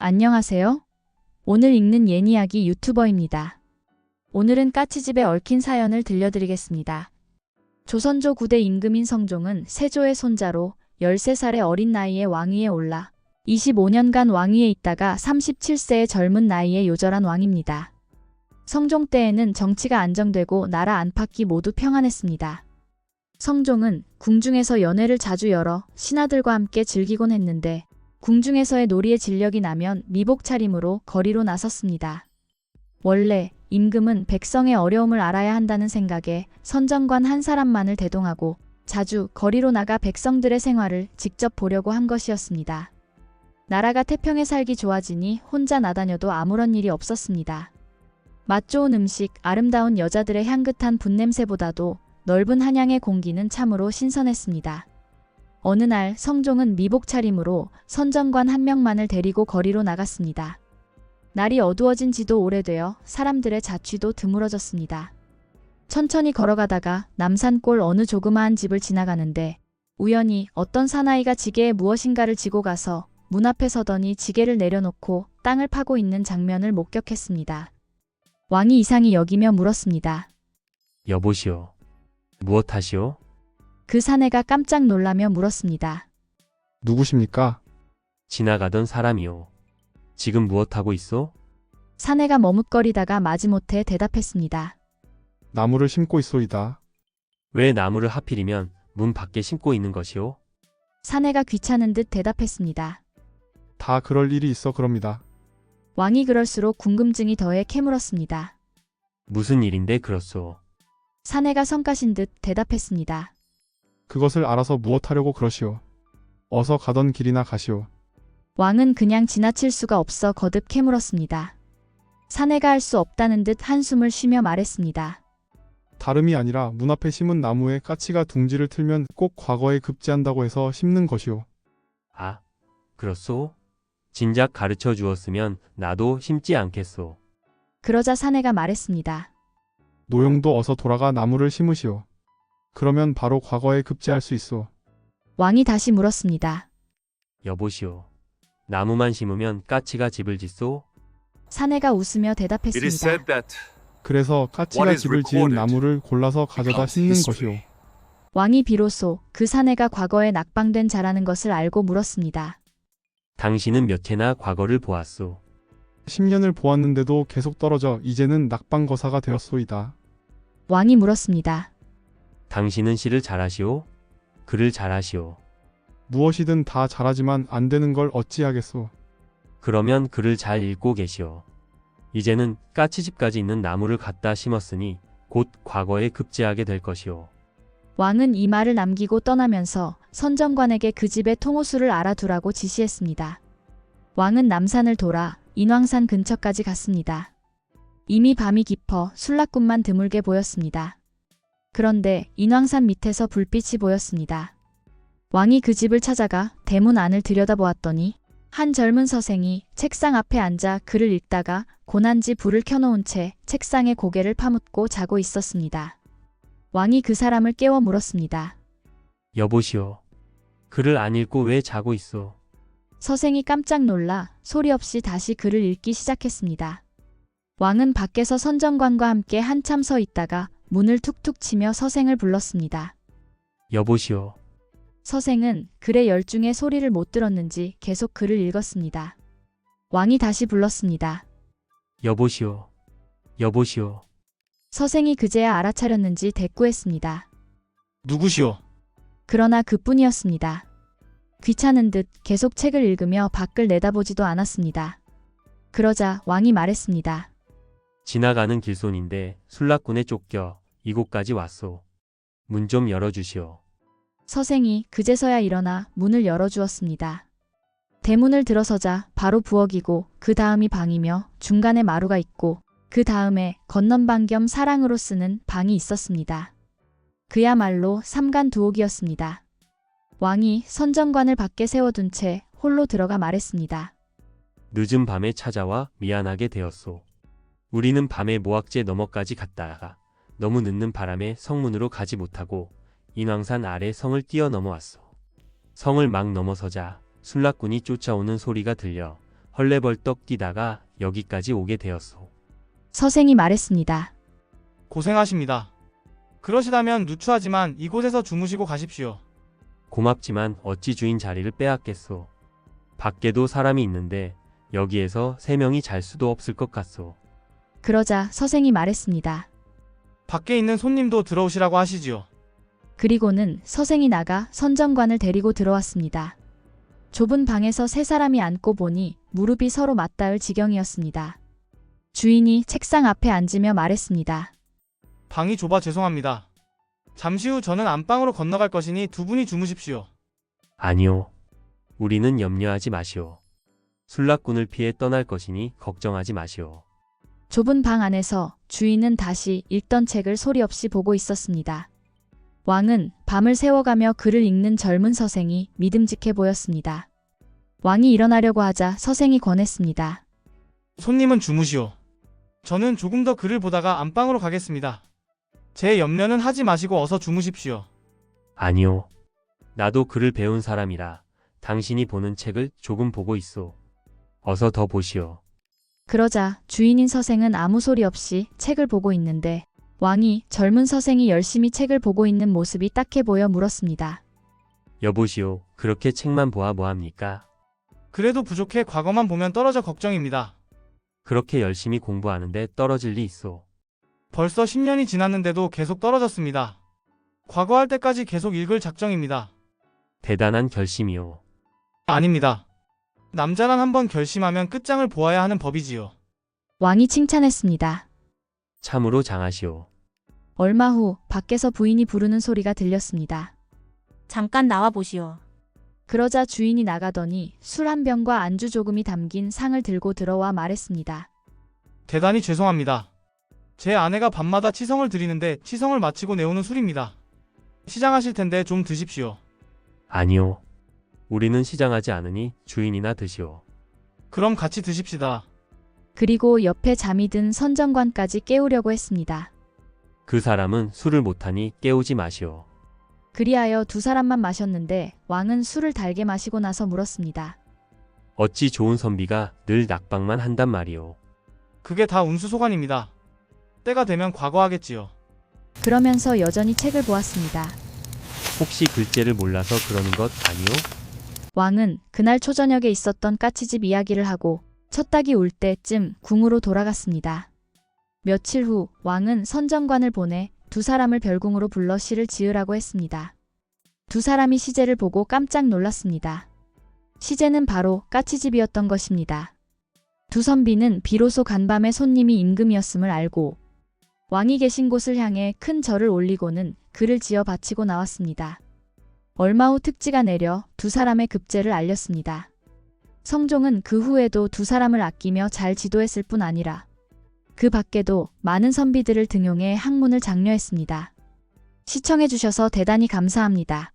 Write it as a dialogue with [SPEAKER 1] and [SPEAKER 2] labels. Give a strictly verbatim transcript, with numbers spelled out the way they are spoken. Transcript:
[SPEAKER 1] 안녕하세요. 오늘 읽는 옛이야기 유튜버입니다. 오늘은 까치집에 얽힌 사연을 들려드리겠습니다. 조선조 구 대 임금인 성종은 세조의 손자로 열세 살의 어린 나이에 왕위에 올라 이십오 년간 왕위에 있다가 삼십칠 세의 젊은 나이에 요절한 왕입니다. 성종 때에는 정치가 안정되고 나라 안팎이 모두 평안했습니다. 성종은 궁중에서 연회를 자주 열어 신하들과 함께 즐기곤 했는데 궁중에서의 놀이에 진력이 나면 미복 차림으로 거리로 나섰습니다. 원래 임금은 백성의 어려움을 알아야 한다는 생각에 선정관 한 사람만을 대동하고 자주 거리로 나가 백성들의 생활을 직접 보려고 한 것이었습니다. 나라가 태평에 살기 좋아지니 혼자 나다녀도 아무런 일이 없었습니다. 맛 좋은 음식, 아름다운 여자들의 향긋한 분냄새보다도 넓은 한양의 공기는 참으로 신선했습니다. 어느 날 성종은 미복 차림으로 선정관 한 명만을 데리고 거리로 나갔습니다. 날이 어두워진 지도 오래되어 사람들의 자취도 드물어졌습니다. 천천히 걸어가다가 남산골 어느 조그마한 집을 지나가는데 우연히 어떤 사나이가 지게에 무엇인가를 지고 가서 문 앞에 서더니 지게를 내려놓고 땅을 파고 있는 장면을 목격했습니다. 왕이 이상히 여기며 물었습니다.
[SPEAKER 2] 여보시오. 무엇하시오?
[SPEAKER 1] 그 사내가 깜짝 놀라며 물었습니다.
[SPEAKER 3] 누구십니까?
[SPEAKER 2] 지나가던 사람이오. 지금 무엇하고 있어?
[SPEAKER 1] 사내가 머뭇거리다가 마지못해 대답했습니다.
[SPEAKER 3] 나무를 심고 있소이다.
[SPEAKER 2] 왜 나무를 하필이면 문 밖에 심고 있는 것이오?
[SPEAKER 1] 사내가 귀찮은 듯 대답했습니다.
[SPEAKER 3] 다 그럴 일이 있어 그럽니다.
[SPEAKER 1] 왕이 그럴수록 궁금증이 더해 캐물었습니다.
[SPEAKER 2] 무슨 일인데 그렇소?
[SPEAKER 1] 사내가 성가신 듯 대답했습니다.
[SPEAKER 3] 그것을 알아서 무엇하려고 그러시오. 어서 가던 길이나 가시오.
[SPEAKER 1] 왕은 그냥 지나칠 수가 없어 거듭 캐물었습니다. 사내가 할 수 없다는 듯 한숨을 쉬며 말했습니다.
[SPEAKER 3] 다름이 아니라 문 앞에 심은 나무에 까치가 둥지를 틀면 꼭 과거에 급제한다고 해서 심는 것이오.
[SPEAKER 2] 아, 그렇소? 진작 가르쳐 주었으면 나도 심지 않겠소.
[SPEAKER 1] 그러자 사내가 말했습니다.
[SPEAKER 3] 노용도 어서 돌아가 나무를 심으시오. 그러면 바로 과거에 급제할 수 있소.
[SPEAKER 1] 왕이 다시 물었습니다.
[SPEAKER 2] 여보시오. 나무만 심으면 까치가 집을 짓소?
[SPEAKER 1] 사내가 웃으며
[SPEAKER 4] It is
[SPEAKER 1] 대답했습니다.
[SPEAKER 4] said that
[SPEAKER 3] 그래서 까치가
[SPEAKER 4] What is
[SPEAKER 3] 집을 지은
[SPEAKER 4] recorded
[SPEAKER 3] 나무를 골라서 가져다
[SPEAKER 4] becomes
[SPEAKER 3] 심는
[SPEAKER 4] history.
[SPEAKER 3] 것이오.
[SPEAKER 1] 왕이 비로소 그 사내가 과거에 낙방된 자라는 것을 알고 물었습니다.
[SPEAKER 2] 당신은 몇 해나 과거를 보았소?
[SPEAKER 3] 십 년을 보았는데도 계속 떨어져 이제는 낙방거사가 되었소이다.
[SPEAKER 1] 왕이 물었습니다.
[SPEAKER 2] 당신은 시를 잘하시오? 글을 잘하시오?
[SPEAKER 3] 무엇이든 다 잘하지만 안 되는 걸 어찌하겠소.
[SPEAKER 2] 그러면 글을 잘 읽고 계시오. 이제는 까치집까지 있는 나무를 갖다 심었으니 곧 과거에 급제하게 될 것이오.
[SPEAKER 1] 왕은 이 말을 남기고 떠나면서 선정관에게 그 집의 통호수를 알아두라고 지시했습니다. 왕은 남산을 돌아 인왕산 근처까지 갔습니다. 이미 밤이 깊어 술락군만 드물게 보였습니다. 그런데 인왕산 밑에서 불빛이 보였습니다. 왕이 그 집을 찾아가 대문 안을 들여다보았더니 한 젊은 서생이 책상 앞에 앉아 글을 읽다가 고난지 불을 켜놓은 채 책상에 고개를 파묻고 자고 있었습니다. 왕이 그 사람을 깨워 물었습니다.
[SPEAKER 2] 여보시오. 글을 안 읽고 왜 자고 있어?
[SPEAKER 1] 서생이 깜짝 놀라 소리 없이 다시 글을 읽기 시작했습니다. 왕은 밖에서 선정관과 함께 한참 서 있다가 문을 툭툭 치며 서생을 불렀습니다.
[SPEAKER 2] 여보시오.
[SPEAKER 1] 서생은 글의 열중에 소리를 못 들었는지 계속 글을 읽었습니다. 왕이 다시 불렀습니다.
[SPEAKER 2] 여보시오. 여보시오.
[SPEAKER 1] 서생이 그제야 알아차렸는지 대꾸했습니다.
[SPEAKER 5] 누구시오?
[SPEAKER 1] 그러나 그뿐이었습니다. 귀찮은 듯 계속 책을 읽으며 밖을 내다보지도 않았습니다. 그러자 왕이 말했습니다.
[SPEAKER 2] 지나가는 길손인데 술락군에 쫓겨 이곳까지 왔소. 문 좀 열어주시오.
[SPEAKER 1] 서생이 그제서야 일어나 문을 열어주었습니다. 대문을 들어서자 바로 부엌이고 그 다음이 방이며 중간에 마루가 있고 그 다음에 건넌방 겸 사랑으로 쓰는 방이 있었습니다. 그야말로 삼간두옥이었습니다. 왕이 선정관을 밖에 세워둔 채 홀로 들어가 말했습니다.
[SPEAKER 2] 늦은 밤에 찾아와 미안하게 되었소. 우리는 밤에 모악제 너머까지 갔다가 너무 늦는 바람에 성문으로 가지 못하고 인왕산 아래 성을 뛰어 넘어왔소. 성을 막 넘어서자 술락군이 쫓아오는 소리가 들려 헐레벌떡 뛰다가 여기까지 오게 되었소.
[SPEAKER 1] 서생이 말했습니다.
[SPEAKER 4] 고생하십니다. 그러시다면 누추하지만 이곳에서 주무시고 가십시오.
[SPEAKER 2] 고맙지만 어찌 주인 자리를 빼앗겠소. 밖에도 사람이 있는데 여기에서 세 명이 잘 수도 없을 것 같소.
[SPEAKER 1] 그러자 서생이 말했습니다.
[SPEAKER 4] 밖에 있는 손님도 들어오시라고 하시지요.
[SPEAKER 1] 그리고는 서생이 나가 선정관을 데리고 들어왔습니다. 좁은 방에서 세 사람이 앉고 보니 무릎이 서로 맞닿을 지경이었습니다. 주인이 책상 앞에 앉으며 말했습니다.
[SPEAKER 4] 방이 좁아 죄송합니다. 잠시 후 저는 안방으로 건너갈 것이니 두 분이 주무십시오.
[SPEAKER 2] 아니요. 우리는 염려하지 마시오. 술락군을 피해 떠날 것이니 걱정하지 마시오.
[SPEAKER 1] 좁은 방 안에서 주인은 다시 읽던 책을 소리 없이 보고 있었습니다. 왕은 밤을 새워가며 글을 읽는 젊은 서생이 믿음직해 보였습니다. 왕이 일어나려고 하자 서생이 권했습니다.
[SPEAKER 4] 손님은 주무시오. 저는 조금 더 글을 보다가 안방으로 가겠습니다. 제 염려는 하지 마시고 어서 주무십시오.
[SPEAKER 2] 아니요. 나도 글을 배운 사람이라 당신이 보는 책을 조금 보고 있소. 어서 더 보시오.
[SPEAKER 1] 그러자 주인인 서생은 아무 소리 없이 책을 보고 있는데 왕이 젊은 서생이 열심히 책을 보고 있는 모습이 딱해 보여 물었습니다.
[SPEAKER 2] 여보시오. 그렇게 책만 보아 뭐합니까?
[SPEAKER 4] 그래도 부족해 과거만 보면 떨어져 걱정입니다.
[SPEAKER 2] 그렇게 열심히 공부하는데 떨어질 리 있소.
[SPEAKER 4] 벌써 십 년이 지났는데도 계속 떨어졌습니다. 과거 할 때까지 계속 읽을 작정입니다.
[SPEAKER 2] 대단한 결심이오.
[SPEAKER 4] 아닙니다. 남자란 한번 결심하면 끝장을 보아야 하는 법이지요.
[SPEAKER 1] 왕이 칭찬했습니다.
[SPEAKER 2] 참으로 장하시오.
[SPEAKER 1] 얼마 후 밖에서 부인이 부르는 소리가 들렸습니다.
[SPEAKER 5] 잠깐 나와 보시오.
[SPEAKER 1] 그러자 주인이 나가더니 술 한 병과 안주 조금이 담긴 상을 들고 들어와 말했습니다.
[SPEAKER 4] 대단히 죄송합니다. 제 아내가 밤마다 치성을 드리는데 치성을 마치고 내오는 술입니다. 시장하실 텐데 좀 드십시오.
[SPEAKER 2] 아니요. 우리는 시장하지 않으니 주인이나 드시오.
[SPEAKER 4] 그럼 같이 드십시다.
[SPEAKER 1] 그리고 옆에 잠이 든 선정관까지 깨우려고 했습니다.
[SPEAKER 2] 그 사람은 술을 못하니 깨우지 마시오.
[SPEAKER 1] 그리하여 두 사람만 마셨는데 왕은 술을 달게 마시고 나서 물었습니다.
[SPEAKER 2] 어찌 좋은 선비가 늘 낙방만 한단 말이오.
[SPEAKER 4] 그게 다 운수소관입니다. 때가 되면 과거하겠지요.
[SPEAKER 1] 그러면서 여전히 책을 보았습니다.
[SPEAKER 2] 혹시 글재를 몰라서 그러는 것 아니오?
[SPEAKER 1] 왕은 그날 초저녁에 있었던 까치집 이야기를 하고 첫 닭이 울 때쯤 궁으로 돌아갔습니다. 며칠 후 왕은 선정관을 보내 두 사람을 별궁으로 불러 시를 지으라고 했습니다. 두 사람이 시제를 보고 깜짝 놀랐습니다. 시제는 바로 까치집이었던 것입니다. 두 선비는 비로소 간밤에 손님이 임금이었음을 알고 왕이 계신 곳을 향해 큰 절을 올리고는 글을 지어 바치고 나왔습니다. 얼마 후 특지가 내려 두 사람의 급제를 알렸습니다. 성종은 그 후에도 두 사람을 아끼며 잘 지도했을 뿐 아니라 그 밖에도 많은 선비들을 등용해 학문을 장려했습니다. 시청해주셔서 대단히 감사합니다.